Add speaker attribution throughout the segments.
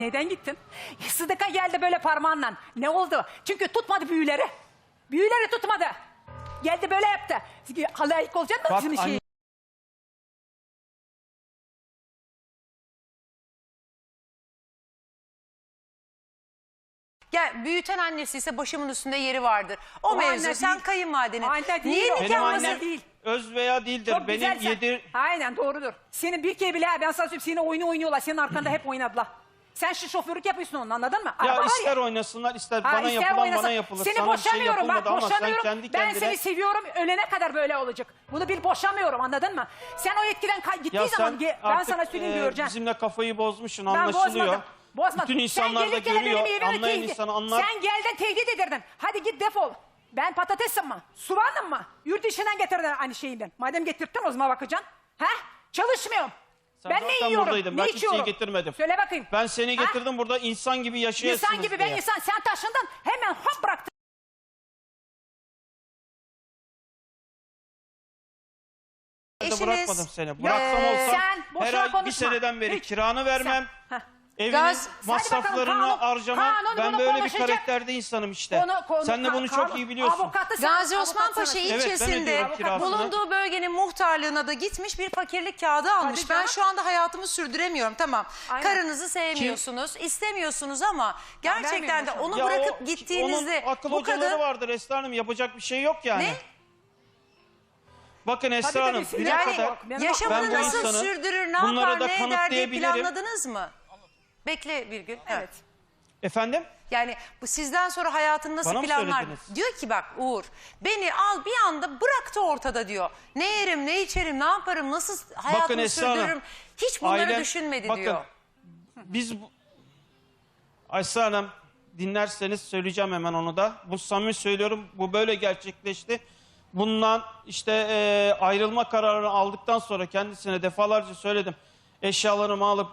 Speaker 1: Neden gittin? Sıdıka geldi böyle parmağınla. Ne oldu? Çünkü tutmadı büyüleri. Büyüleri tutmadı. Geldi böyle yaptı. Layık olacak mı bizim şey?
Speaker 2: Gel, büyüten annesi ise başımın üstünde yeri vardır. O mevzu
Speaker 1: anne
Speaker 2: sen
Speaker 1: değil.
Speaker 2: kayınvalidenin.
Speaker 1: Anne değil
Speaker 2: Niye
Speaker 1: o.
Speaker 2: nikah
Speaker 1: Benim
Speaker 2: masası-
Speaker 1: annem değil.
Speaker 3: Öz veya değildir.
Speaker 1: Çok
Speaker 3: Benim
Speaker 1: güzel sen. Aynen doğrudur. Senin bir kere bile ben sana söyleyeyim senin oyunu oynuyorlar. Senin arkanda hep oynadılar. Sen şu şoförlük yapıyorsun onun, anladın mı?
Speaker 3: Ya
Speaker 1: Araba var
Speaker 3: ister oynasınlar ister
Speaker 1: Ha,
Speaker 3: bana
Speaker 1: ister
Speaker 3: yapılan
Speaker 1: oynasın.
Speaker 3: bana yapılır.
Speaker 1: Seni
Speaker 3: Sana bir şey
Speaker 1: boşamıyorum bak,
Speaker 3: yapılmadı ama sen
Speaker 1: boşamıyorum.
Speaker 3: kendi
Speaker 1: Ben
Speaker 3: kendine...
Speaker 1: seni seviyorum, ölene kadar böyle olacak. Bunu bil, boşamıyorum, anladın mı? Sen o etkiden gittiği
Speaker 3: Ya
Speaker 1: zaman
Speaker 3: sen
Speaker 1: ben
Speaker 3: artık
Speaker 1: sana söyleyeyim göreceksin.
Speaker 3: bizimle kafayı bozmuşsun,
Speaker 1: Ben
Speaker 3: anlaşılıyor.
Speaker 1: bozmadım. Bozmadım.
Speaker 3: Bütün insanlar da
Speaker 1: gelirken benim
Speaker 3: görüyor,
Speaker 1: evime
Speaker 3: anlayan
Speaker 1: tehdit-
Speaker 3: insan anlar.
Speaker 1: Sen geldin tehdit edirdin. Hadi git defol. Ben patatesim mi? Soğanım mı? Yurt dışından getirdin aynı şeyinden. Madem getirttin o zaman bakacaksın. He? Çalışmıyorum.
Speaker 3: Sen
Speaker 1: Ben ne
Speaker 3: zaten
Speaker 1: yiyorum?
Speaker 3: buradaydın,
Speaker 1: Ne
Speaker 3: ben kimseyi
Speaker 1: içiyorum?
Speaker 3: getirmedim.
Speaker 1: Söyle bakayım.
Speaker 3: Ben seni
Speaker 1: Ha?
Speaker 3: getirdim burada insan gibi yaşayasınız
Speaker 1: İnsan gibi
Speaker 3: diye.
Speaker 1: ben insan. Sen taşındın hemen hop bıraktın.
Speaker 3: Ben de
Speaker 2: Eşiniz-
Speaker 3: bırakmadım seni. Bıraksam olsam
Speaker 1: sen boşuna
Speaker 3: her ay bir
Speaker 1: konuşma.
Speaker 3: seneden beri
Speaker 1: Hiç.
Speaker 3: kiranı vermem.
Speaker 1: Sen- Heh.
Speaker 3: Evinin
Speaker 2: Gaz-
Speaker 3: masraflarını
Speaker 1: Hadi bakalım,
Speaker 3: harcamam.
Speaker 1: kanun
Speaker 3: Ben
Speaker 1: bunu
Speaker 3: böyle bir
Speaker 1: konuşacak.
Speaker 3: karakterde insanım işte. Sen de bunu çok iyi biliyorsun.
Speaker 1: Avukatı sen,
Speaker 2: Gazi Osman
Speaker 1: avukat
Speaker 2: Paşa
Speaker 1: sana-
Speaker 3: Evet, ben
Speaker 2: ilçesinde
Speaker 3: ödüyorum kirasını.
Speaker 2: bulunduğu bölgenin muhtarlığına da gitmiş bir fakirlik kağıdı almış.
Speaker 1: Tabii
Speaker 2: Ben
Speaker 1: canım.
Speaker 2: şu anda hayatımı sürdüremiyorum, tamam.
Speaker 1: Aynen.
Speaker 2: Karınızı sevmiyorsunuz, istemiyorsunuz ama gerçekten de
Speaker 1: vermiyorum
Speaker 2: onu
Speaker 3: Ya
Speaker 2: bırakıp
Speaker 3: o-
Speaker 2: gittiğinizde
Speaker 3: onun akıl
Speaker 2: bu
Speaker 3: hocaları
Speaker 2: kadın...
Speaker 3: vardır Esra Hanım, yapacak bir şey yok yani.
Speaker 2: Ne?
Speaker 3: Bakın Esra
Speaker 1: Tabii,
Speaker 3: Hanım
Speaker 1: tabii,
Speaker 3: düne
Speaker 2: Yani
Speaker 3: kadar
Speaker 1: Benim
Speaker 2: yaşamını
Speaker 3: ben bu
Speaker 2: nasıl
Speaker 3: insanı
Speaker 2: sürdürür, ne
Speaker 3: bunları
Speaker 2: yapar,
Speaker 3: da
Speaker 2: ne eder diye
Speaker 3: kanıtlayabilirim.
Speaker 2: planladınız mı? Bekle Birgül.
Speaker 1: Evet.
Speaker 3: efendim
Speaker 2: Yani bu sizden sonra hayatını nasıl
Speaker 3: Bana mı
Speaker 2: planlar?
Speaker 3: söylediniz?
Speaker 2: Diyor ki bak Uğur, beni al bir anda bıraktı ortada diyor. Ne yerim, ne içerim, ne yaparım, nasıl hayatımı
Speaker 3: Esra Hanım,
Speaker 2: sürdürürüm. Hiç bunları
Speaker 3: ailem-
Speaker 2: düşünmedi
Speaker 3: bakın,
Speaker 2: diyor.
Speaker 3: biz Esra Hanım dinlerseniz söyleyeceğim hemen onu da. Bu samimi söylüyorum, bu böyle gerçekleşti. Bundan işte ayrılma kararını aldıktan sonra kendisine defalarca söyledim. Eşyalarımı alıp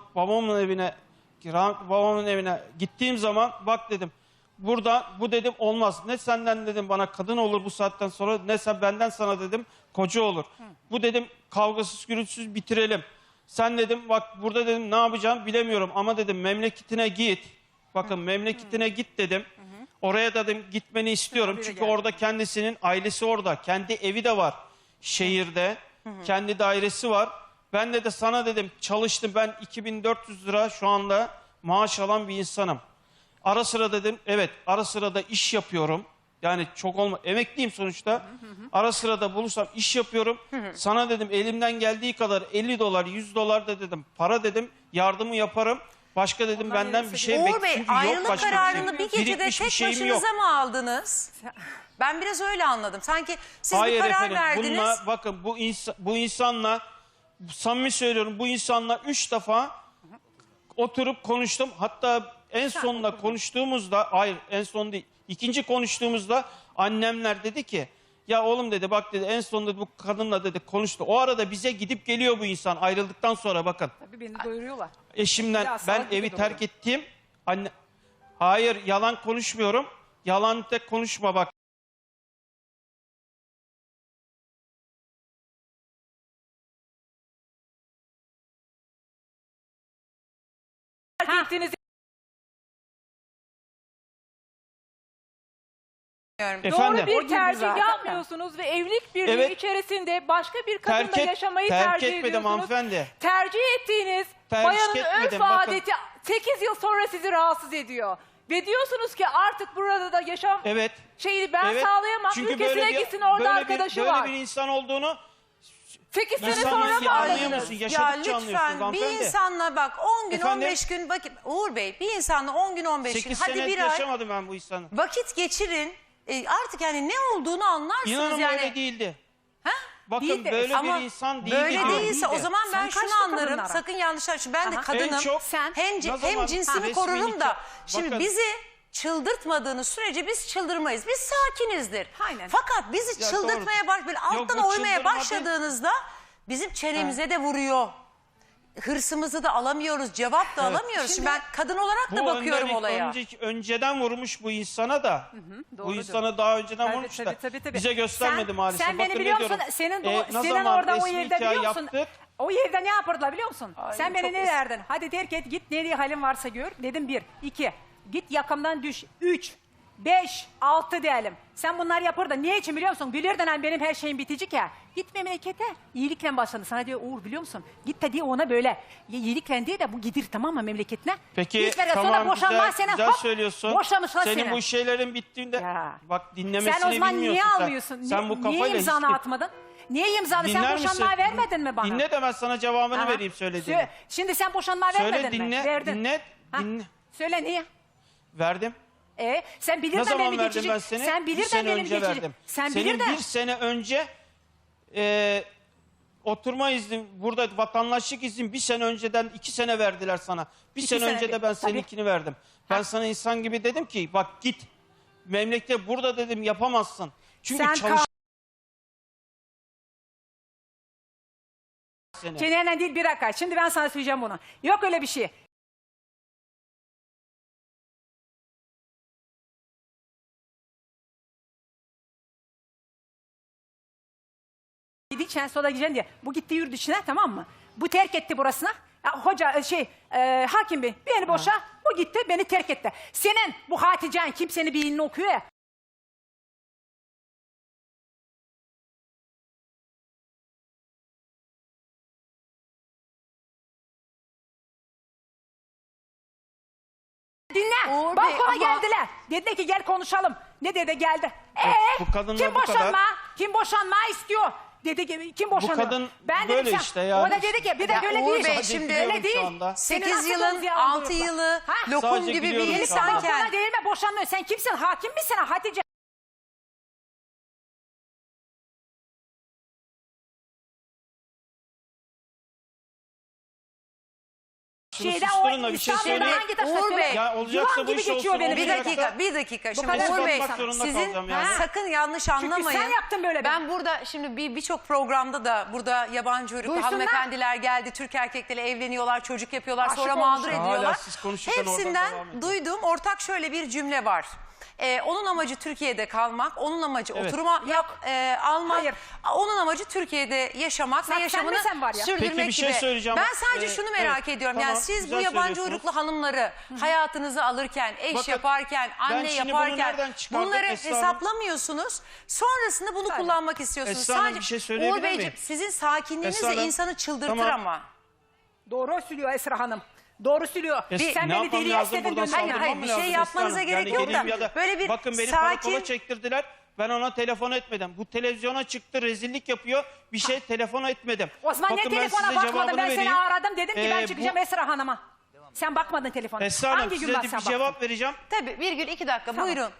Speaker 3: babamın evine gittiğim zaman bak dedim. Burada bu dedim olmaz. Ne senden dedim bana kadın olur bu saatten sonra, ne sen benden sana dedim koca olur. Bu dedim kavgasız gürültüsüz bitirelim. Sen dedim bak burada dedim ne yapacağım bilemiyorum ama dedim memleketine git. Bakın memleketine git dedim. Oraya da dedim gitmeni istiyorum.
Speaker 1: Tabii de
Speaker 3: Çünkü
Speaker 1: geldi.
Speaker 3: orada kendisinin ailesi orada. Kendi evi de var şehirde. Kendi dairesi var. Ben de sana dedim çalıştım. Ben 2400 lira şu anda maaş alan bir insanım. Ara sıra dedim evet ara sıra da iş yapıyorum. Yani çok emekliyim sonuçta. Ara sıra da bulursam iş yapıyorum. Sana dedim elimden geldiği kadar 50 dolar 100 dolar da dedim para dedim yardımı yaparım. Başka dedim
Speaker 1: Ondan
Speaker 3: benden
Speaker 1: yarısı
Speaker 3: bir şey
Speaker 1: değil.
Speaker 2: Uğur Bey,
Speaker 3: çünkü yok
Speaker 2: ayrılık
Speaker 3: başka
Speaker 2: kararını
Speaker 3: bir
Speaker 2: bir
Speaker 3: şey.
Speaker 2: gecede
Speaker 3: Birikmiş bir
Speaker 2: tek
Speaker 3: şeyim yok.
Speaker 2: başınıza mı aldınız? Ben biraz öyle anladım. Sanki siz
Speaker 3: Hayır
Speaker 2: bir karar
Speaker 3: efendim
Speaker 2: verdiniz.
Speaker 3: bununla bakın bu insanla samimi söylüyorum bu insanla 3 defa oturup konuştum. Hatta en sonunda konuştuğumuzda hayır en son değil ikinci konuştuğumuzda annemler dedi ki ya oğlum dedi bak dedi en sonunda bu kadınla dedi konuştu. O arada bize gidip geliyor bu insan ayrıldıktan sonra bakın.
Speaker 1: Tabii beni doyuruyorlar.
Speaker 3: Eşimden
Speaker 1: Ya,
Speaker 3: ben
Speaker 1: salak gibi
Speaker 3: evi
Speaker 1: duruyor.
Speaker 3: terk ettim. Anne hayır yalan konuşmuyorum. Yalan tek konuşma bak.
Speaker 1: Terk ettiğiniz
Speaker 3: Efendim.
Speaker 4: Doğru
Speaker 1: O
Speaker 4: bir
Speaker 1: gibi
Speaker 4: tercih
Speaker 1: zaten.
Speaker 4: yapmıyorsunuz ve evlilik birliği
Speaker 3: Evet.
Speaker 4: içerisinde başka bir kadınla yaşamayı
Speaker 3: terk
Speaker 4: tercih
Speaker 3: etmedim
Speaker 4: ediyorsunuz.
Speaker 3: hanımefendi.
Speaker 4: Tercih ettiğiniz
Speaker 3: Tercih
Speaker 4: bayanın
Speaker 3: etmedim,
Speaker 4: örf
Speaker 3: bakın.
Speaker 4: adeti 8 yıl sonra sizi rahatsız ediyor. Ve diyorsunuz ki artık burada da yaşam
Speaker 3: Evet.
Speaker 4: şeyini ben
Speaker 3: Evet.
Speaker 4: sağlayamam.
Speaker 3: Çünkü
Speaker 4: Ülkesine gitsin orada arkadaşı
Speaker 3: böyle
Speaker 4: var.
Speaker 3: bir insan olduğunu
Speaker 4: 8 sene
Speaker 3: İnsan
Speaker 4: sonra mı
Speaker 3: anlıyor
Speaker 4: aradınız?
Speaker 3: musun?
Speaker 2: Ya
Speaker 3: Yaşadıkça anlıyorsunuz
Speaker 2: lütfen bir
Speaker 3: hanımefendi.
Speaker 2: insanla bak 10 gün
Speaker 3: Efendim?
Speaker 2: 15 gün vakit Uğur Bey bir insanla 10 gün 15 gün
Speaker 3: 8
Speaker 2: hadi
Speaker 3: sene
Speaker 2: bir ay
Speaker 3: yaşamadım ben bu insanı.
Speaker 2: vakit geçirin. Artık yani ne olduğunu anlarsınız
Speaker 3: İnanın
Speaker 2: yani.
Speaker 3: öyle değildi.
Speaker 2: Ha?
Speaker 3: Bakın
Speaker 1: Değildi.
Speaker 3: böyle
Speaker 2: Ama
Speaker 3: bir insan değildi.
Speaker 2: böyle
Speaker 3: diyorum.
Speaker 2: değilse o
Speaker 3: Değildi.
Speaker 2: zaman ben
Speaker 1: Sen
Speaker 2: şunu
Speaker 1: kaçta
Speaker 2: anlarım.
Speaker 1: kadınlara?
Speaker 2: Sakın yanlış anlaşılma. Ben de
Speaker 1: Aha.
Speaker 2: kadınım.
Speaker 3: En çok
Speaker 1: sen
Speaker 2: hem,
Speaker 3: ne
Speaker 2: hem
Speaker 3: zaman
Speaker 2: cinsimi
Speaker 3: resmi
Speaker 2: korurum da.
Speaker 3: nikah-
Speaker 2: Şimdi
Speaker 3: Bakın.
Speaker 2: bizi çıldırtmadığınız sürece biz çıldırmayız. Biz sakinizdir.
Speaker 1: Aynen.
Speaker 2: Fakat bizi
Speaker 3: Ya
Speaker 2: çıldırtmaya böyle alttan
Speaker 3: bu
Speaker 2: oymaya
Speaker 3: çıldırma değil.
Speaker 2: başladığınızda bizim çenemize de vuruyor. hırsımızı da alamıyoruz, cevap da alamıyoruz. Şimdi ben kadın olarak da bakıyorum olaya.
Speaker 3: Önceden vurmuş bu insana da. Bu
Speaker 1: doğrudur.
Speaker 3: insana daha önceden
Speaker 1: Tabii,
Speaker 3: vurmuş da.
Speaker 1: tabii.
Speaker 3: Bize göstermedi
Speaker 1: Sen-
Speaker 3: maalesef.
Speaker 1: Sen beni
Speaker 3: Bakın
Speaker 1: biliyor
Speaker 3: ne
Speaker 1: musun?
Speaker 3: diyorum.
Speaker 1: Senin,
Speaker 3: Ne
Speaker 1: senin
Speaker 3: zaman
Speaker 1: orada o
Speaker 3: resmi
Speaker 1: evde
Speaker 3: nikah
Speaker 1: biliyor musun?
Speaker 3: yaptık?
Speaker 1: O evde ne yapardılar biliyor musun?
Speaker 2: Ay,
Speaker 1: Sen beni
Speaker 2: çok
Speaker 1: ne derdin? Hadi terk et git nereye halin varsa gör. Dedim 1, 2. Git yakamdan düş. 3, 5, 6 diyelim. Sen bunlar yapır da niye için biliyor musun? Bilirdin hani benim her şeyim bitecek ya. Git memlekete. İyilikle başladı. Sana diyor Uğur biliyor musun? Git de diye ona böyle. İyilikle diye de bu gidir tamam mı memleketine?
Speaker 3: Peki
Speaker 1: Git ver,
Speaker 3: tamam
Speaker 1: sonra boşanma
Speaker 3: güzel,
Speaker 1: seni,
Speaker 3: güzel
Speaker 1: hop,
Speaker 3: söylüyorsun.
Speaker 1: boşamışlar
Speaker 3: Senin
Speaker 1: seni.
Speaker 3: bu şeylerin bittiğinde
Speaker 1: Ya.
Speaker 3: bak dinlemesini
Speaker 1: Sen o zaman
Speaker 3: bilmiyorsun.
Speaker 1: niye
Speaker 3: sen.
Speaker 1: almıyorsun?
Speaker 3: Sen bu
Speaker 1: niye
Speaker 3: kafayla
Speaker 1: imzanı
Speaker 3: hiç-
Speaker 1: atmadın? Niye imzanı?
Speaker 3: Dinler
Speaker 1: Sen
Speaker 3: misin?
Speaker 1: boşanma vermedin mi bana?
Speaker 3: Dinle de ben sana cevabını
Speaker 1: Aha.
Speaker 3: vereyim söylediğini.
Speaker 1: Şimdi sen boşanma
Speaker 3: Söyle,
Speaker 1: vermedin mi?
Speaker 3: dinle,
Speaker 1: Verdin.
Speaker 3: dinle,
Speaker 1: Ha,
Speaker 3: dinle.
Speaker 1: Söyle niye?
Speaker 3: Verdim.
Speaker 1: Sen
Speaker 3: Ne
Speaker 1: bilirdin
Speaker 3: zaman
Speaker 1: benim
Speaker 3: verdim
Speaker 1: geçici.
Speaker 3: ben seni?
Speaker 1: Sen
Speaker 3: Bir
Speaker 1: bilirdin
Speaker 3: sene
Speaker 1: benim
Speaker 3: önce
Speaker 1: geçici.
Speaker 3: verdim.
Speaker 1: Sen
Speaker 3: Senin
Speaker 1: bilirdin.
Speaker 3: bir sene önce oturma iznin, burada vatandaşlık iznin bir sene önceden 2 sene verdiler sana. Bir
Speaker 1: 2
Speaker 3: sene
Speaker 1: sene
Speaker 3: önce de
Speaker 1: değil,
Speaker 3: ben
Speaker 1: tabii.
Speaker 3: seninkini verdim. Ben sana insan gibi dedim ki bak git. Memlekte burada dedim yapamazsın. Çünkü
Speaker 1: Sen
Speaker 3: çalış... seni.
Speaker 1: Çenenden değil bir dakika. Şimdi ben sana söyleyeceğim bunu. Yok öyle bir şey. Gideceksin sonra gideceksin diye. Bu gitti yurt dışına tamam mı? Bu terk etti burasına. Ya, hoca hakim bey beni boşa. Bu gitti beni terk etti. Senin bu Hatice'nin kimsenin bir ilini okuyor ya. Dinle.
Speaker 2: Uğur Bey,
Speaker 1: Balkona
Speaker 2: ama-
Speaker 1: geldiler. Dediler ki gel konuşalım. Ne dedi geldi.
Speaker 3: bu kadınla
Speaker 1: kim
Speaker 3: bu kadar-
Speaker 1: boşanma? Kim boşanma istiyor? Dedi ki kim boşanıyor?
Speaker 3: kadın
Speaker 1: ben
Speaker 3: böyle
Speaker 1: dedim, sen-
Speaker 3: işte yani.
Speaker 1: O da dedi ki bir de
Speaker 2: Ya
Speaker 1: böyle
Speaker 2: Uğur
Speaker 1: değil.
Speaker 2: Bey,
Speaker 3: Sadece
Speaker 2: şimdi
Speaker 3: biliyorum
Speaker 1: öyle
Speaker 3: şu
Speaker 1: değil.
Speaker 3: anda.
Speaker 1: Senin
Speaker 2: 8
Speaker 1: nasıl
Speaker 2: yılın
Speaker 1: kızı
Speaker 2: 6
Speaker 1: aldırıyorlar?
Speaker 2: yılı
Speaker 1: Ha?
Speaker 2: lokum
Speaker 3: Sadece
Speaker 2: gibi bir
Speaker 3: biliyorum şu anda.
Speaker 2: insanken.
Speaker 1: Balkona değil mi boşanmıyor? Sen kimsin? Hakim misin Hatice?
Speaker 3: Şunu
Speaker 1: Şeyde
Speaker 3: susturun
Speaker 1: o
Speaker 3: da bir şey
Speaker 1: İstanbul'da
Speaker 3: söyleyeyim.
Speaker 1: hangi taşla
Speaker 2: Uğur
Speaker 1: söyle?
Speaker 2: Bey,
Speaker 3: Ya olacaksa
Speaker 1: Yılan
Speaker 3: bu
Speaker 1: gibi
Speaker 3: iş
Speaker 1: geçiyor
Speaker 3: olsun,
Speaker 1: benim.
Speaker 2: Bir
Speaker 3: olmayacaksa-
Speaker 2: dakika, bir dakika. Şimdi
Speaker 1: kadar
Speaker 2: Uğur Bey,
Speaker 3: ispatlamak zorunda
Speaker 2: sizin
Speaker 3: kalacağım yani.
Speaker 2: sakın yanlış anlamayın.
Speaker 1: sen yaptın böyle
Speaker 2: Ben burada şimdi birçok programda da burada yabancı uyruklu
Speaker 1: Duysunlar.
Speaker 2: hanımefendiler geldi. Türk erkekleri evleniyorlar, çocuk yapıyorlar,
Speaker 1: Aşık
Speaker 2: sonra mağdur
Speaker 1: olmuşlar.
Speaker 2: ediyorlar.
Speaker 3: Hala siz konuşurken oradan
Speaker 2: Hepsinden
Speaker 3: devam edin.
Speaker 2: duyduğum ortak şöyle bir cümle var. Onun amacı Türkiye'de kalmak, onun amacı
Speaker 3: Evet.
Speaker 2: oturuma almak,
Speaker 1: Hayır.
Speaker 2: onun amacı Türkiye'de yaşamak
Speaker 1: Sen-
Speaker 2: ve yaşamını
Speaker 1: sen de sen var ya.
Speaker 2: sürdürmek
Speaker 3: Peki bir şey
Speaker 2: gibi.
Speaker 3: söyleyeceğim.
Speaker 2: Ben sadece şunu merak
Speaker 3: evet,
Speaker 2: ediyorum.
Speaker 3: tamam,
Speaker 2: Yani siz bu
Speaker 3: güzel
Speaker 2: yabancı
Speaker 3: söylüyorsunuz.
Speaker 2: uyruklu hanımları hayatınıza alırken, eş
Speaker 3: Bakın,
Speaker 2: yaparken, anne
Speaker 3: şimdi bunu
Speaker 2: yaparken
Speaker 3: nereden çıkardım
Speaker 2: bunları
Speaker 3: Esra Hanım?
Speaker 2: hesaplamıyorsunuz. Sonrasında bunu kullanmak istiyorsunuz.
Speaker 3: Esra Hanım, bir şey söyleyebilir
Speaker 2: Uğur Beyciğim,
Speaker 3: miyim?
Speaker 2: sizin sakinliğiniz
Speaker 3: Esra
Speaker 2: de
Speaker 3: Hanım,
Speaker 2: insanı çıldırtır
Speaker 3: tamam.
Speaker 2: ama.
Speaker 1: Doğru söylüyor Esra Hanım. Doğru söylüyor.
Speaker 3: Ya
Speaker 1: Sen
Speaker 3: ne
Speaker 1: beni
Speaker 3: yapmam
Speaker 1: deliye
Speaker 3: lazım
Speaker 1: istedin
Speaker 3: buradan
Speaker 1: gönderme.
Speaker 3: saldırmam
Speaker 2: hayır,
Speaker 3: mı
Speaker 2: bir şey
Speaker 3: lazım
Speaker 2: yapmanıza
Speaker 3: Esra Hanım?
Speaker 2: gerek yok da
Speaker 3: geleyim ya
Speaker 2: böyle bir
Speaker 3: bakın beni
Speaker 2: sakin-
Speaker 3: karakola çektirdiler. Ben ona telefon etmedim. Bu televizyona çıktı rezillik yapıyor. Bir şey telefon etmedim.
Speaker 1: O zaman
Speaker 3: Bakın
Speaker 1: ne
Speaker 3: ben
Speaker 1: telefona
Speaker 3: size
Speaker 1: bakmadın?
Speaker 3: cevabını
Speaker 1: Ben seni
Speaker 3: vereyim.
Speaker 1: aradım dedim ki ben
Speaker 3: Bu-
Speaker 1: çıkacağım Esra Hanım'a. Sen bakmadın telefona.
Speaker 3: Esra Hanım
Speaker 1: Hangi
Speaker 3: size
Speaker 1: gün
Speaker 3: de
Speaker 1: bak
Speaker 3: bir
Speaker 1: sen baktın?
Speaker 3: cevap vereceğim.
Speaker 2: Tabii 1,2 dakika buyurun.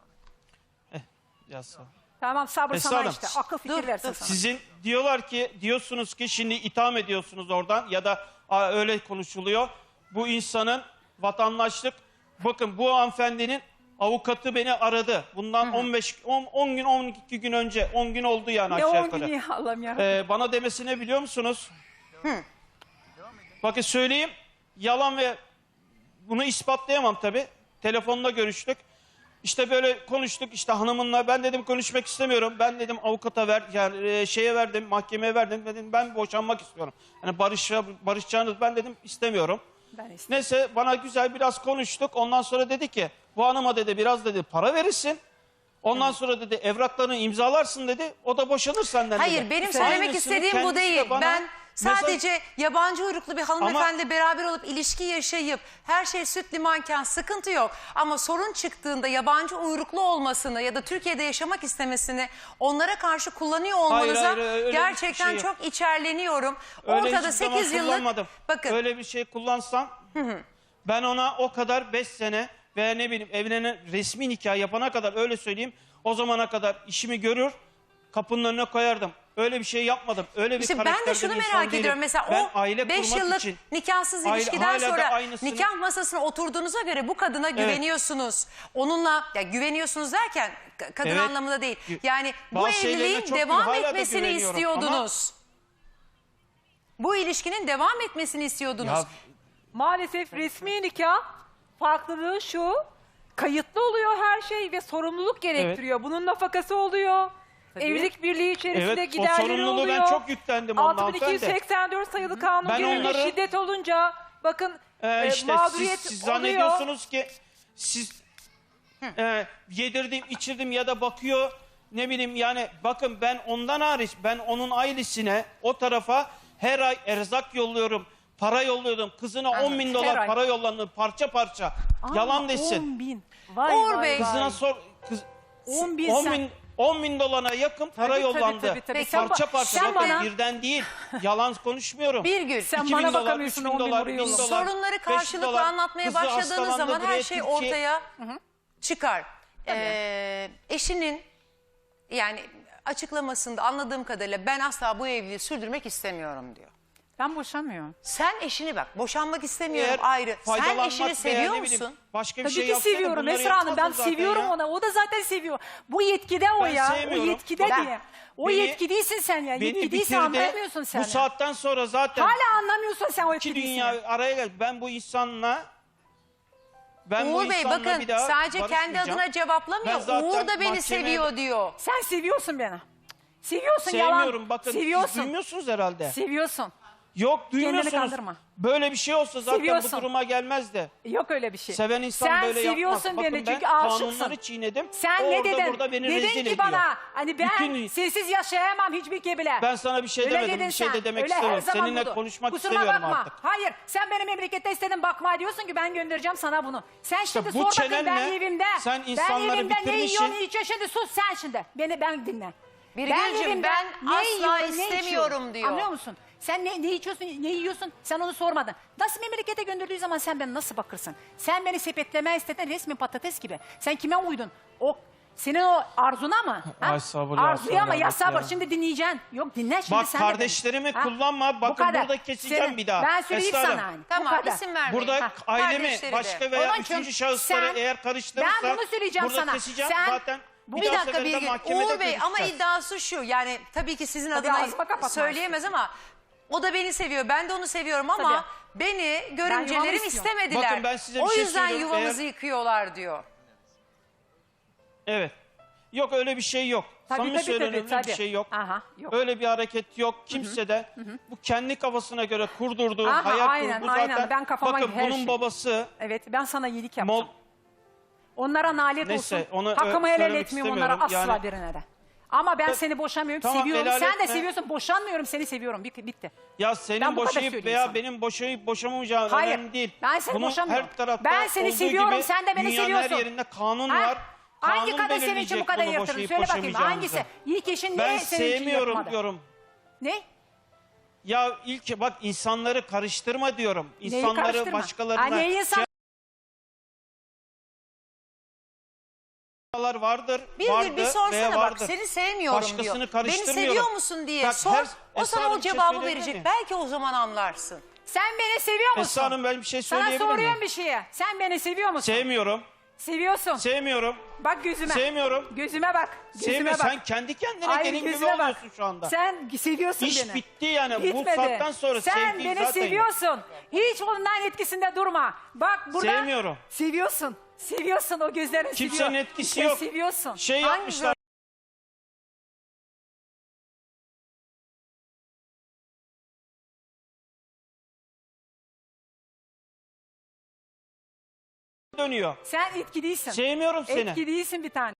Speaker 3: Ya sağ ol.
Speaker 1: Tamam sabır
Speaker 3: Esra
Speaker 1: sana
Speaker 3: Hanım,
Speaker 1: işte. Akıl fikir
Speaker 2: dur,
Speaker 1: versin
Speaker 2: dur.
Speaker 1: sana.
Speaker 3: Sizin diyorsunuz ki şimdi itham ediyorsunuz oradan ya da öyle konuşuluyor. Bu insanın vatandaşlık bakın bu hanımefendinin avukatı beni aradı. Bundan 10 gün 12 gün önce 10 gün oldu yani
Speaker 1: Ne
Speaker 3: aşağı
Speaker 1: 10
Speaker 3: yukarı.
Speaker 1: günü ya Allah'ım ya.
Speaker 3: Bana demesine biliyor musunuz? Bakın söyleyeyim. Yalan ve bunu ispatlayamam tabii. Telefonla görüştük. İşte böyle konuştuk işte hanımınla. Ben dedim konuşmak istemiyorum. Ben dedim avukata ver, yani şeye verdim, mahkemeye verdim. Dedim ben boşanmak istiyorum. Yani barışacağınız ben dedim istemiyorum.
Speaker 1: Ben istemiyorum.
Speaker 3: Neyse bana güzel biraz konuştuk. Ondan sonra dedi ki bu hanıma dedi biraz dedi para verirsin. Ondan sonra dedi evraklarını imzalarsın dedi. O da boşanır senden dedi.
Speaker 2: Hayır, benim söylemek
Speaker 3: Aynısını
Speaker 2: istediğim bu
Speaker 3: kendisi de
Speaker 2: değil.
Speaker 3: bana
Speaker 2: Ben
Speaker 3: mesaj-
Speaker 2: sadece yabancı uyruklu bir hanımefendiyle beraber olup ilişki yaşayıp her şey süt limanken sıkıntı yok. Ama sorun çıktığında yabancı uyruklu olmasını ya da Türkiye'de yaşamak istemesini onlara karşı kullanıyor olmanıza
Speaker 3: Hayır, öyle bir
Speaker 2: gerçekten
Speaker 3: şey yok.
Speaker 2: çok içerleniyorum.
Speaker 3: Öyle
Speaker 2: Ortada
Speaker 3: hiçbir zaman
Speaker 2: 8 yıllık
Speaker 3: kullanmadım.
Speaker 2: bakın
Speaker 3: Öyle bir şey kullansam ben ona o kadar 5 sene veya ne bileyim evlenen resmi nikah yapana kadar öyle söyleyeyim o zamana kadar işimi görür kapının önüne koyardım. Öyle bir şey yapmadım. Öyle bir
Speaker 2: İşte ben de
Speaker 3: karakterde
Speaker 2: şunu
Speaker 3: bir insan
Speaker 2: merak
Speaker 3: değilim.
Speaker 2: ediyorum. Mesela
Speaker 3: Ben
Speaker 2: o
Speaker 3: aile
Speaker 2: 5
Speaker 3: kurmak
Speaker 2: yıllık
Speaker 3: için
Speaker 2: nikahsız
Speaker 3: hala
Speaker 2: ilişkiden
Speaker 3: da
Speaker 2: sonra
Speaker 3: aynısını-
Speaker 2: nikah masasına oturduğunuza göre bu kadına güveniyorsunuz. Onunla ya güveniyorsunuz derken kadın
Speaker 3: Evet.
Speaker 2: anlamında değil. Yani bu
Speaker 3: Bazı şeylerine
Speaker 2: evliliğin
Speaker 3: çok
Speaker 2: devam
Speaker 3: hala da
Speaker 2: etmesini
Speaker 3: güveniyorum
Speaker 2: istiyordunuz. Bu ilişkinin devam etmesini istiyordunuz.
Speaker 3: Ya
Speaker 4: Maalesef resmi nikah farklılığı şu. Kayıtlı oluyor her şey ve sorumluluk gerektiriyor. Bunun nafakası oluyor. Evlilik birliği içerisinde
Speaker 3: Evet, o
Speaker 4: giderleri
Speaker 3: sorumluluğu
Speaker 4: oluyor.
Speaker 3: ben çok yüklendim ondan hanımefendi.
Speaker 4: 6284 sayılı kanun
Speaker 3: Ben
Speaker 4: gereği
Speaker 3: onları-
Speaker 4: şiddet olunca bakın
Speaker 3: İşte
Speaker 4: mağduriyet
Speaker 3: siz
Speaker 4: oluyor.
Speaker 3: zannediyorsunuz ki siz yedirdim içirdim ya da bakıyor ne bileyim yani bakın ben ondan hariç ben onun ailesine o tarafa her ay erzak yolluyorum. Para yolluyordum. Kızına 10 bin
Speaker 1: Her
Speaker 3: dolar
Speaker 1: ay.
Speaker 3: para yolladım parça parça.
Speaker 1: Aa,
Speaker 3: Yalan desin.
Speaker 1: 10 bin. Vay
Speaker 2: Uğur
Speaker 1: vay
Speaker 2: Bey.
Speaker 1: vay.
Speaker 3: Kızına sor.
Speaker 1: 10 bin
Speaker 3: 10
Speaker 1: sen-
Speaker 3: bin 10 bin dolara yakın para
Speaker 1: Tabii,
Speaker 3: yollandı.
Speaker 1: tabii, tabii.
Speaker 2: Sen
Speaker 3: Parça
Speaker 1: ba-
Speaker 3: parça
Speaker 1: sen
Speaker 3: bakın
Speaker 1: bana-
Speaker 3: birden değil. Yalan konuşmuyorum.
Speaker 2: Bir gün
Speaker 1: Sen
Speaker 3: 2000
Speaker 1: bana
Speaker 3: dolar,
Speaker 1: bakamıyorsun,
Speaker 3: 3000
Speaker 1: 10 bin
Speaker 3: dolar,
Speaker 1: buraya
Speaker 3: 1000
Speaker 1: yolla.
Speaker 3: dolar,
Speaker 2: sorunları
Speaker 3: 5
Speaker 2: karşılıklı
Speaker 3: dolar.
Speaker 2: anlatmaya
Speaker 3: Kızı
Speaker 2: başladığınız
Speaker 3: hastalandı,
Speaker 2: zaman her
Speaker 3: buraya
Speaker 2: şey
Speaker 3: Türkiye-
Speaker 2: ortaya çıkar. Eşinin yani açıklamasında anladığım kadarıyla ben asla bu evliliği sürdürmek istemiyorum diyor.
Speaker 1: Ben boşanmıyorum.
Speaker 2: Sen eşini bak boşanmak istemiyorum
Speaker 3: Eğer
Speaker 2: ayrı. Sen
Speaker 3: faydalanmak
Speaker 2: eşini
Speaker 3: veya
Speaker 2: seviyor
Speaker 3: ne bileyim,
Speaker 2: musun?
Speaker 3: Başka bir
Speaker 1: Tabii
Speaker 3: şey
Speaker 1: ki
Speaker 3: yapsaydı
Speaker 1: seviyorum
Speaker 3: bunları
Speaker 1: Esra Hanım. Ben
Speaker 3: yapmazdım zaten
Speaker 1: seviyorum
Speaker 3: ya.
Speaker 1: onu. O da zaten seviyor. Bu yetkide o
Speaker 3: Ben
Speaker 1: ya. O
Speaker 3: sevmiyorum.
Speaker 1: yetkide
Speaker 3: Ben-
Speaker 1: diye. O
Speaker 3: Beni-
Speaker 1: yetki değilsin sen ya.
Speaker 3: Beni
Speaker 1: Yetki değilse
Speaker 3: bitirdi.
Speaker 1: anlamıyorsun sen.
Speaker 3: Bu
Speaker 1: ya.
Speaker 3: saatten sonra zaten
Speaker 1: Hala anlamıyorsun sen o yetki
Speaker 3: iki
Speaker 1: değilsin.
Speaker 3: dünya araya geldi. Ben bu insanla bu
Speaker 2: Uğur Bey
Speaker 3: insanla
Speaker 2: bakın
Speaker 3: bir daha
Speaker 2: sadece kendi
Speaker 3: barışmayacağım.
Speaker 2: adına cevaplamıyor.
Speaker 3: Ben zaten
Speaker 2: Uğur da beni
Speaker 3: mahkemeye-
Speaker 2: seviyor diyor.
Speaker 1: Sen seviyorsun beni. Seviyorsun yalan.
Speaker 3: Sevmiyorum bakın. Siz
Speaker 1: Seviyorsun.
Speaker 3: duymuyorsunuz herhalde.
Speaker 1: Seviyorsun.
Speaker 3: Yok duymuyorsunuz.
Speaker 1: kandırma.
Speaker 3: Böyle bir şey olsa zaten
Speaker 1: Seviyorsun.
Speaker 3: bu duruma gelmezdi.
Speaker 1: Yok öyle bir şey.
Speaker 3: Seven insan
Speaker 1: sen
Speaker 3: böyle yapmaz.
Speaker 1: seviyorsun
Speaker 3: Bakın
Speaker 1: beni
Speaker 3: ben
Speaker 1: çünkü aşıksın.
Speaker 3: kanunları çiğnedim.
Speaker 1: Sen
Speaker 3: Orada
Speaker 1: ne dedin?
Speaker 3: burada beni
Speaker 1: dedin
Speaker 3: rezil
Speaker 1: ki
Speaker 3: ediyor.
Speaker 1: bana hani ben
Speaker 3: Bütün-
Speaker 1: sensiz yaşayamam hiçbir kebile.
Speaker 3: Ben sana bir şey
Speaker 1: Öyle
Speaker 3: demedim.
Speaker 1: dedin
Speaker 3: Bir şey de
Speaker 1: sen.
Speaker 3: demek
Speaker 1: Öyle her
Speaker 3: istemiyorum.
Speaker 1: zaman
Speaker 3: Seninle
Speaker 1: budur.
Speaker 3: konuşmak
Speaker 1: Kusuruma
Speaker 3: istemiyorum
Speaker 1: bakma.
Speaker 3: artık.
Speaker 1: Hayır sen benim memlekette istedin bakma diyorsun ki ben göndereceğim sana bunu. Sen şimdi
Speaker 3: bu
Speaker 1: sor bakayım ben
Speaker 3: çenenle
Speaker 1: evimde.
Speaker 3: sen
Speaker 1: ben
Speaker 3: insanları
Speaker 1: evimde ne
Speaker 3: bitirmişsin.
Speaker 1: yiyorsun ne içiyorsun şimdi sus sen şimdi. Ben dinle.
Speaker 2: Birgül'cüm,
Speaker 1: evimde
Speaker 2: ben
Speaker 1: ne
Speaker 2: asla
Speaker 1: yiyorum, ne
Speaker 2: istemiyorum
Speaker 1: içiyorum?
Speaker 2: diyor.
Speaker 1: Anlıyor musun? Sen ne içiyorsun, ne yiyorsun? Sen onu sormadın. Nasıl memlekete gönderdiği zaman sen beni nasıl bakırsın? Sen beni sepetlemeye istedin resmi patates gibi. Sen kime uydun? O senin o arzuna mı? Ha?
Speaker 3: Ay sabır ya,
Speaker 1: Arzuya mı?
Speaker 3: sabır
Speaker 1: Ya sabır.
Speaker 3: ya.
Speaker 1: Şimdi dinleyeceksin. Yok dinle şimdi
Speaker 3: Bak
Speaker 1: sen de beni.
Speaker 3: kardeşlerimi
Speaker 1: Ha?
Speaker 3: kullanma.
Speaker 1: Bu
Speaker 3: Bakın
Speaker 1: kadar.
Speaker 3: burada keseceğim
Speaker 1: Senin-
Speaker 3: bir daha.
Speaker 1: Ben söyleyeyim
Speaker 3: Esra
Speaker 1: sana.
Speaker 3: Hanım.
Speaker 1: hani. Bu
Speaker 2: Tamam
Speaker 1: kadar.
Speaker 2: isim vermeyin.
Speaker 3: Burada
Speaker 2: Ha,
Speaker 3: ailemi
Speaker 2: kardeşleri de.
Speaker 3: başka veya
Speaker 1: Onun için
Speaker 3: üçüncü şahısları
Speaker 1: sen-
Speaker 3: eğer karıştırırsa
Speaker 1: Ben bunu söyleyeceğim
Speaker 3: burada
Speaker 1: sana.
Speaker 3: keseceğim
Speaker 1: Sen-
Speaker 3: zaten.
Speaker 2: Bir
Speaker 3: daha
Speaker 2: dakika
Speaker 3: seferinde
Speaker 2: Birgül.
Speaker 3: mahkemede
Speaker 2: Uğur Bey ama
Speaker 3: görüşeceğiz.
Speaker 2: iddiası şu yani tabii ki sizin
Speaker 1: Tabii
Speaker 2: adına
Speaker 1: ağzıma kapatma
Speaker 2: söyleyemez ama o da beni seviyor ben de onu seviyorum ama
Speaker 1: Tabii.
Speaker 2: beni
Speaker 1: yuvamı
Speaker 2: görümcelerim
Speaker 1: istiyorum.
Speaker 2: istemediler.
Speaker 3: Bakın ben size bir
Speaker 2: o
Speaker 3: şey
Speaker 2: yüzden
Speaker 3: söylüyorum.
Speaker 2: yuvamızı yıkıyorlar diyor.
Speaker 3: Evet. Yok öyle bir şey yok. Samimi söylüyorum öyle bir
Speaker 1: tabii.
Speaker 3: şey yok.
Speaker 1: Aha, yok.
Speaker 3: Öyle bir hareket yok. Kimse de bu kendi kafasına göre kurdurduğu,
Speaker 1: Aha,
Speaker 3: hayal
Speaker 1: aynen,
Speaker 3: kurduğu
Speaker 1: aynen.
Speaker 3: zaten.
Speaker 1: Ben kafama
Speaker 3: bakın
Speaker 1: her
Speaker 3: bunun
Speaker 1: şey.
Speaker 3: babası
Speaker 1: Evet ben sana iyilik yaptım.
Speaker 3: Mol,
Speaker 1: Onlara nalet
Speaker 3: Neyse,
Speaker 1: olsun.
Speaker 3: onu,
Speaker 1: Hakkımı helal
Speaker 3: söylemek
Speaker 1: etmiyorum onlara asla
Speaker 3: istemiyorum.
Speaker 1: birine de. Ama ben
Speaker 3: Ta-
Speaker 1: seni boşamıyorum,
Speaker 3: Tamam,
Speaker 1: seviyorum.
Speaker 3: helal
Speaker 1: Sen de
Speaker 3: etme.
Speaker 1: seviyorsun, boşanmıyorum, seni seviyorum. Bitti.
Speaker 3: ya
Speaker 1: Ben
Speaker 3: senin
Speaker 1: bu kadar
Speaker 3: boşayıp
Speaker 1: söyleyeyim
Speaker 3: veya
Speaker 1: sana.
Speaker 3: benim boşayıp boşamamayacağım
Speaker 1: Hayır,
Speaker 3: önemli değil.
Speaker 1: ben seni
Speaker 3: Bunun
Speaker 1: boşamıyorum.
Speaker 3: her tarafta
Speaker 1: Ben seni
Speaker 3: olduğu
Speaker 1: seviyorum,
Speaker 3: gibi
Speaker 1: sen de beni
Speaker 3: dünyanın
Speaker 1: seviyorsun.
Speaker 3: her yerinde kanun
Speaker 1: Ha?
Speaker 3: var.
Speaker 1: Hangi
Speaker 3: Kanun
Speaker 1: kadın senin için bu
Speaker 3: belirleyecek
Speaker 1: kadar
Speaker 3: bunu
Speaker 1: yırtırdın?
Speaker 3: boşayıp
Speaker 1: Söyle bakayım
Speaker 3: boşamayacağınızı.
Speaker 1: hangisi? İlk eşin
Speaker 3: Ben
Speaker 1: niye senin için
Speaker 3: sevmiyorum
Speaker 1: yapmadı?
Speaker 3: diyorum.
Speaker 1: Ne?
Speaker 3: Ya ilk bak insanları karıştırma diyorum.
Speaker 1: Neyi
Speaker 3: İnsanları
Speaker 1: karıştırma?
Speaker 3: başkalarına
Speaker 1: Ha, neyi insan...
Speaker 3: vardır.
Speaker 2: Bir
Speaker 3: vardı
Speaker 2: gün bir
Speaker 3: veya
Speaker 2: sorsana bak
Speaker 3: vardır.
Speaker 2: seni sevmiyorum
Speaker 3: Başkasını
Speaker 2: diyor. Beni
Speaker 3: karıştırmıyorum.
Speaker 2: seviyor musun diye
Speaker 3: Bak,
Speaker 2: sor.
Speaker 3: her-
Speaker 2: O
Speaker 3: Esra
Speaker 2: sana
Speaker 3: Hanım
Speaker 2: o
Speaker 3: bir şey
Speaker 2: cevabı
Speaker 3: söyleyebilir
Speaker 2: verecek.
Speaker 3: miyim?
Speaker 2: Belki o zaman anlarsın.
Speaker 1: Sen beni seviyor musun?
Speaker 3: Esra Hanım ben bir şey
Speaker 1: Sana
Speaker 3: söyleyebilir
Speaker 1: soruyorum
Speaker 3: miyim?
Speaker 1: bir şeye. Sen beni seviyor musun?
Speaker 3: Sevmiyorum.
Speaker 1: Seviyorsun.
Speaker 3: Sevmiyorum.
Speaker 1: Bak gözüme.
Speaker 3: Sevmiyorum.
Speaker 1: Gözüme bak. Gözüme
Speaker 3: Sevme
Speaker 1: bak.
Speaker 3: sen kendi kendine
Speaker 1: Ay,
Speaker 3: gelin gibi
Speaker 1: gözüme bak.
Speaker 3: oluyorsun şu anda.
Speaker 1: Sen seviyorsun
Speaker 3: İş
Speaker 1: beni.
Speaker 3: bitti yani.
Speaker 1: Bitmedi.
Speaker 3: Bu saatten sonra
Speaker 1: sen
Speaker 3: sevgi
Speaker 1: beni
Speaker 3: zaten
Speaker 1: seviyorsun. Hiç ondan etkisinde durma. Bak burada.
Speaker 3: Sevmiyorum.
Speaker 1: Seviyorsun. Seviyorsun o gözlerin
Speaker 3: Kimsenin
Speaker 1: seviyor.
Speaker 3: etkisi
Speaker 1: Sen
Speaker 3: yok.
Speaker 1: Seviyorsun.
Speaker 3: Şey
Speaker 2: Hangi
Speaker 3: yapmışlar. Dönüyor.
Speaker 1: Sen etki değilsin.
Speaker 3: Sevmiyorum seni.
Speaker 1: Etki değilsin bir tane.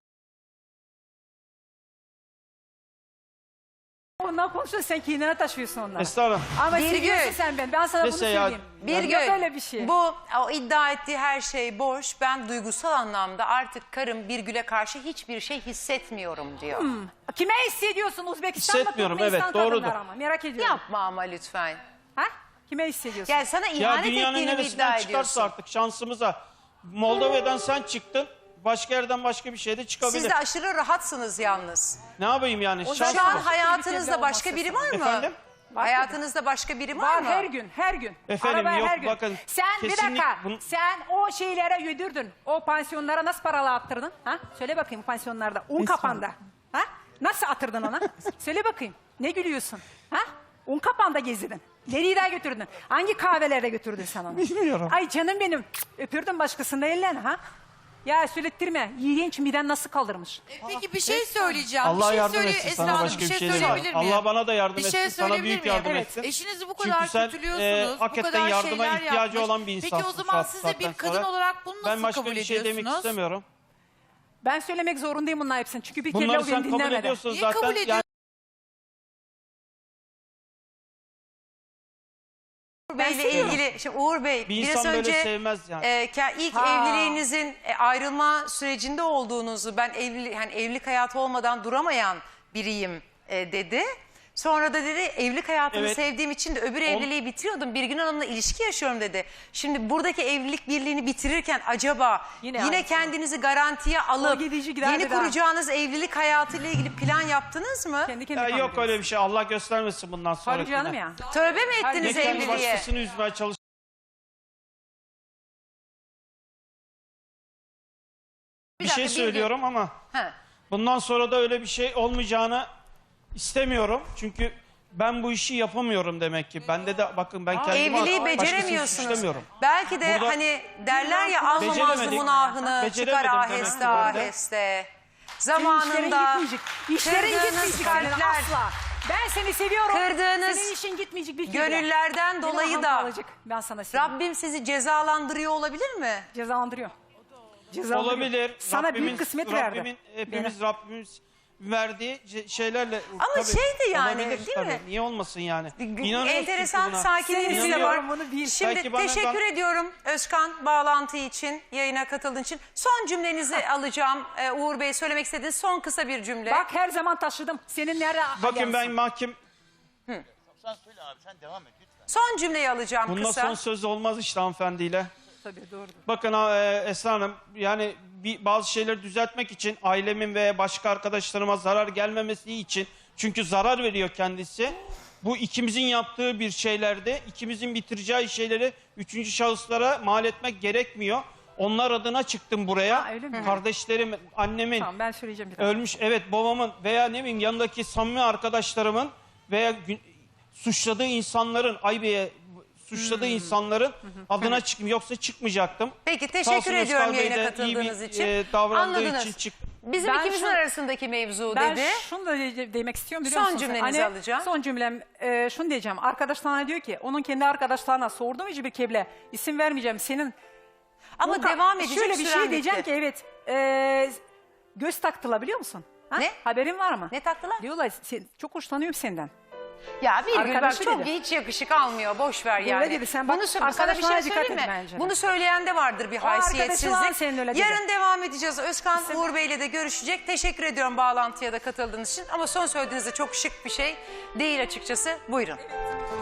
Speaker 1: Ondan konuşuyorsun sen kendine taşıyorsun onları.
Speaker 3: Estağfurullah.
Speaker 1: Ama
Speaker 2: Bir
Speaker 1: seviyorsun
Speaker 2: gün.
Speaker 1: sen beni. Ben sana
Speaker 3: Neyse
Speaker 1: bunu
Speaker 3: ya,
Speaker 1: söyleyeyim.
Speaker 2: Bir
Speaker 1: Yok
Speaker 2: gün
Speaker 1: öyle bir şey.
Speaker 2: bu o iddia ettiği her şey boş. Ben duygusal anlamda artık karım Birgül'e karşı hiçbir şey hissetmiyorum diyor.
Speaker 1: Kime hissediyorsun? Uzbekistan mı?
Speaker 3: Hissetmiyorum,
Speaker 1: Türkmenistan
Speaker 3: evet, doğrudur.
Speaker 1: kadınlar ama. Merak ediyorum.
Speaker 2: Yapma ama lütfen.
Speaker 1: Ha? Kime hissediyorsun?
Speaker 2: Gel sana
Speaker 3: Ya
Speaker 2: ihanet
Speaker 3: dünyanın
Speaker 2: ettiğini mi iddia
Speaker 3: neresinden çıkarsa
Speaker 2: ediyorsun?
Speaker 3: artık şansımıza. Moldova'dan sen çıktın. Başka yerden başka bir şey de çıkabilir.
Speaker 2: Siz de aşırı rahatsınız yalnız.
Speaker 3: Ne yapayım yani?
Speaker 1: O
Speaker 3: Şans
Speaker 2: Şu an
Speaker 3: mı?
Speaker 2: hayatınızda başka biri var mı?
Speaker 3: Efendim?
Speaker 1: Var
Speaker 2: Hayatınızda başka biri var,
Speaker 1: Var
Speaker 2: mı?
Speaker 1: her gün, her gün.
Speaker 3: Efendim,
Speaker 1: Arabaya
Speaker 3: yok,
Speaker 1: her gün.
Speaker 3: bakın,
Speaker 1: Sen bir
Speaker 3: kesinlik-
Speaker 1: dakika,
Speaker 3: bun-
Speaker 1: sen o şeylere yedirdin. O pansiyonlara nasıl paralı attırdın? Ha? Söyle bakayım pansiyonlarda. Un kapanda. Ha? Nasıl atırdın ona? Söyle bakayım. Ne gülüyorsun? Ha? Un kapanda gezdirdin. Nereye daha götürdün? Hangi kahvelere götürdün sen onu?
Speaker 3: Bilmiyorum.
Speaker 1: Ay canım benim. Öpürdün başkasında ellerini ha? Ya söylettirme. İğrenç miden nasıl kaldırmış?
Speaker 5: Peki bir şey söyleyeceğim.
Speaker 3: Allah
Speaker 5: bir şey
Speaker 3: yardım
Speaker 5: söyle
Speaker 3: etsin.
Speaker 5: Esra
Speaker 3: Sana
Speaker 5: Hanım,
Speaker 3: başka
Speaker 5: bir şey
Speaker 3: demem.
Speaker 5: söyleyebilir miyim?
Speaker 3: Allah bana da yardım
Speaker 5: Bir
Speaker 3: etsin.
Speaker 5: şey
Speaker 3: Sana
Speaker 5: söyleyebilir
Speaker 3: büyük
Speaker 5: miyim?
Speaker 3: yardım
Speaker 1: Evet.
Speaker 3: etsin.
Speaker 5: Eşinizi bu
Speaker 3: Çünkü
Speaker 5: kadar
Speaker 3: sen,
Speaker 5: kötülüyorsunuz. Bu
Speaker 3: hakikaten
Speaker 5: kadar
Speaker 3: yardıma
Speaker 5: şeyler
Speaker 3: ihtiyacı
Speaker 5: yapmış.
Speaker 3: olan bir
Speaker 5: Peki
Speaker 3: insansın
Speaker 5: o
Speaker 3: şu
Speaker 5: zaman siz de
Speaker 3: saatten
Speaker 5: bir kadın
Speaker 3: sonra.
Speaker 5: olarak bunu nasıl
Speaker 3: Ben başka
Speaker 5: kabul
Speaker 3: bir şey demek
Speaker 5: ediyorsunuz?
Speaker 3: istemiyorum.
Speaker 1: Ben söylemek zorundayım bunların hepsini. Çünkü bir kere
Speaker 3: Bunları
Speaker 1: o
Speaker 3: sen
Speaker 1: beni
Speaker 3: kabul
Speaker 1: dinlemedi.
Speaker 3: ediyorsun
Speaker 5: Niye
Speaker 3: zaten.
Speaker 5: kabul
Speaker 3: Yani
Speaker 5: ediyorsun?
Speaker 2: Uğur Bey'le ilgili, şimdi Uğur Bey
Speaker 3: bir
Speaker 2: biraz
Speaker 3: insan
Speaker 2: önce
Speaker 3: böyle sevmez yani.
Speaker 2: ilk
Speaker 1: Ha.
Speaker 2: evliliğinizin ayrılma sürecinde olduğunuzu, ben evlilik hayatı olmadan duramayan biriyim dedi. Sonra da dedi evlilik hayatını
Speaker 3: Evet.
Speaker 2: sevdiğim için de öbür evliliği bitiriyordum. Birgin Hanım'la ilişki yaşıyorum dedi. Şimdi buradaki evlilik birliğini bitirirken acaba
Speaker 1: Yine
Speaker 2: yine
Speaker 1: aynısı.
Speaker 2: kendinizi garantiye alıp
Speaker 1: gidici gider
Speaker 2: yeni
Speaker 1: bir daha.
Speaker 2: kuracağınız evlilik hayatıyla ilgili plan yaptınız mı?
Speaker 1: Kendi
Speaker 3: Ya
Speaker 1: kendine
Speaker 3: yok öyle bir şey. Allah göstermesin bundan sonra.
Speaker 1: Tabii canım ya.
Speaker 2: Tövbe mi
Speaker 3: Ne
Speaker 2: ettiniz
Speaker 3: kendi
Speaker 2: evliliğe?
Speaker 3: başkasını üzmeye çalış. Bir
Speaker 2: dakika,
Speaker 3: şey
Speaker 2: Birgin.
Speaker 3: söylüyorum ama
Speaker 2: Ha.
Speaker 3: bundan sonra da öyle bir şey olmayacağını istemiyorum. Çünkü ben bu işi yapamıyorum demek ki. Bende de bakın ben kendimi
Speaker 2: Evliliği
Speaker 3: başkasını
Speaker 2: beceremiyorsunuz.
Speaker 3: suçlamıyorum.
Speaker 2: Belki de
Speaker 3: Burada-
Speaker 2: hani derler ya almamazdı
Speaker 3: Beceremedik.
Speaker 2: günahını çıkar
Speaker 3: Beceremedim
Speaker 2: aheste
Speaker 3: demek ki ben de.
Speaker 2: aheste.
Speaker 1: İşlerin
Speaker 2: Zamanında
Speaker 1: gitmeyecek. İşlerin
Speaker 2: kırdığınız
Speaker 1: gitmeyecek senin
Speaker 2: kalpler,
Speaker 1: asla. Ben seni seviyorum.
Speaker 2: Kırdığınız
Speaker 1: Senin işin gitmeyecek bir kere.
Speaker 2: gönüllerden
Speaker 1: Benim
Speaker 2: dolayı
Speaker 1: ahım
Speaker 2: da
Speaker 1: kalacak. Ben sana söyleyeyim.
Speaker 2: Rabbim sizi cezalandırıyor olabilir mi?
Speaker 1: Cezalandırıyor. Cezalandırıyor.
Speaker 3: Olabilir.
Speaker 1: Sana büyük kısmet verdi.
Speaker 3: Rabbimiz verdiği şeylerle
Speaker 2: Ama
Speaker 3: tabii,
Speaker 2: şeydi yani,
Speaker 3: olabilir
Speaker 2: değil
Speaker 3: tabii.
Speaker 2: mi?
Speaker 3: Niye olmasın yani? İnanıyoruz
Speaker 2: Enteresan
Speaker 3: çünkü buna.
Speaker 2: sakinliğiniz de
Speaker 3: İnanıyorum.
Speaker 2: var.
Speaker 1: Bunu bil.
Speaker 2: Şimdi
Speaker 3: Belki bana
Speaker 2: teşekkür ediyorum Özkan bağlantı için, yayına katıldığın için. Son cümlenizi alacağım. Uğur Bey söylemek istediğiniz son kısa bir cümle.
Speaker 1: Bak her zaman taşıdım. Senin nerede
Speaker 3: Bakın ben
Speaker 1: ayansın?
Speaker 3: mahkem
Speaker 6: Sen söyle abi, sen devam et lütfen.
Speaker 2: Son cümleyi alacağım
Speaker 3: bundan
Speaker 2: kısa.
Speaker 3: son söz olmaz işte hanımefendiyle.
Speaker 1: Tabii doğrudur.
Speaker 3: Bakın Esra Hanım yani bazı şeyleri düzeltmek için ailemin ve başka arkadaşlarıma zarar gelmemesi için çünkü zarar veriyor kendisi. Bu ikimizin yaptığı bir şeylerde ikimizin bitireceği şeyleri üçüncü şahıslara mal etmek gerekmiyor. Onlar adına çıktım buraya.
Speaker 1: Ha, öyle mi?
Speaker 3: Kardeşlerim, annemin,
Speaker 1: Tamam ben söyleyeceğim bir daha.
Speaker 3: ölmüş evet babamın veya ne bileyim yanındaki samimi arkadaşlarımın veya suçladığı insanların suçladığı insanların adına çıktım. Yoksa çıkmayacaktım.
Speaker 2: Peki
Speaker 3: Sağ
Speaker 2: teşekkür
Speaker 3: olsun
Speaker 2: ediyorum
Speaker 3: Özkan Bey
Speaker 2: yayına
Speaker 3: de
Speaker 2: katıldığınız
Speaker 3: iyi bir,
Speaker 2: için.
Speaker 3: davrandığı
Speaker 2: Anladınız.
Speaker 3: için çıktım.
Speaker 2: Bizim
Speaker 1: Ben
Speaker 2: ikimizin
Speaker 1: şu-
Speaker 2: arasındaki mevzu
Speaker 1: Ben
Speaker 2: dedi.
Speaker 1: şunu da demek istiyorum biliyor
Speaker 2: Son
Speaker 1: musun? sen?
Speaker 2: cümlenizi alacağım.
Speaker 1: Son cümlem şunu diyeceğim. Arkadaşlarına diyor ki onun kendi arkadaşlarına sordum hiçbir keble isim vermeyeceğim senin.
Speaker 2: Ama
Speaker 1: Bu
Speaker 2: devam edecek
Speaker 1: şöyle bir
Speaker 2: süren
Speaker 1: şey diyeceğim
Speaker 2: bitti.
Speaker 1: ki evet göz taktılar biliyor musun? Ha?
Speaker 2: Ne?
Speaker 1: Haberin var mı?
Speaker 2: Ne taktılar?
Speaker 1: Diyorlar çok hoşlanıyorum senden.
Speaker 2: Ya bir bak
Speaker 1: Arkadaşı
Speaker 2: çok
Speaker 1: dedi.
Speaker 2: hiç yakışık almıyor. Boş ver
Speaker 1: Öyle
Speaker 2: yani.
Speaker 1: dedi, sen bak,
Speaker 2: sana bir şey
Speaker 1: arkadaşlarına dikkat
Speaker 2: söyleyeyim
Speaker 1: et
Speaker 2: mi?
Speaker 1: bence de.
Speaker 2: Bunu söyleyen de vardır bir
Speaker 1: arkadaşı var
Speaker 2: haysiyetsizlik.
Speaker 1: senin öyle dedi.
Speaker 2: Yarın devam edeceğiz. Özkan Uğur Bey'le de görüşecek. Teşekkür ediyorum bağlantıya da katıldığınız için. Ama son söylediğinizde çok şık bir şey değil açıkçası. Buyurun.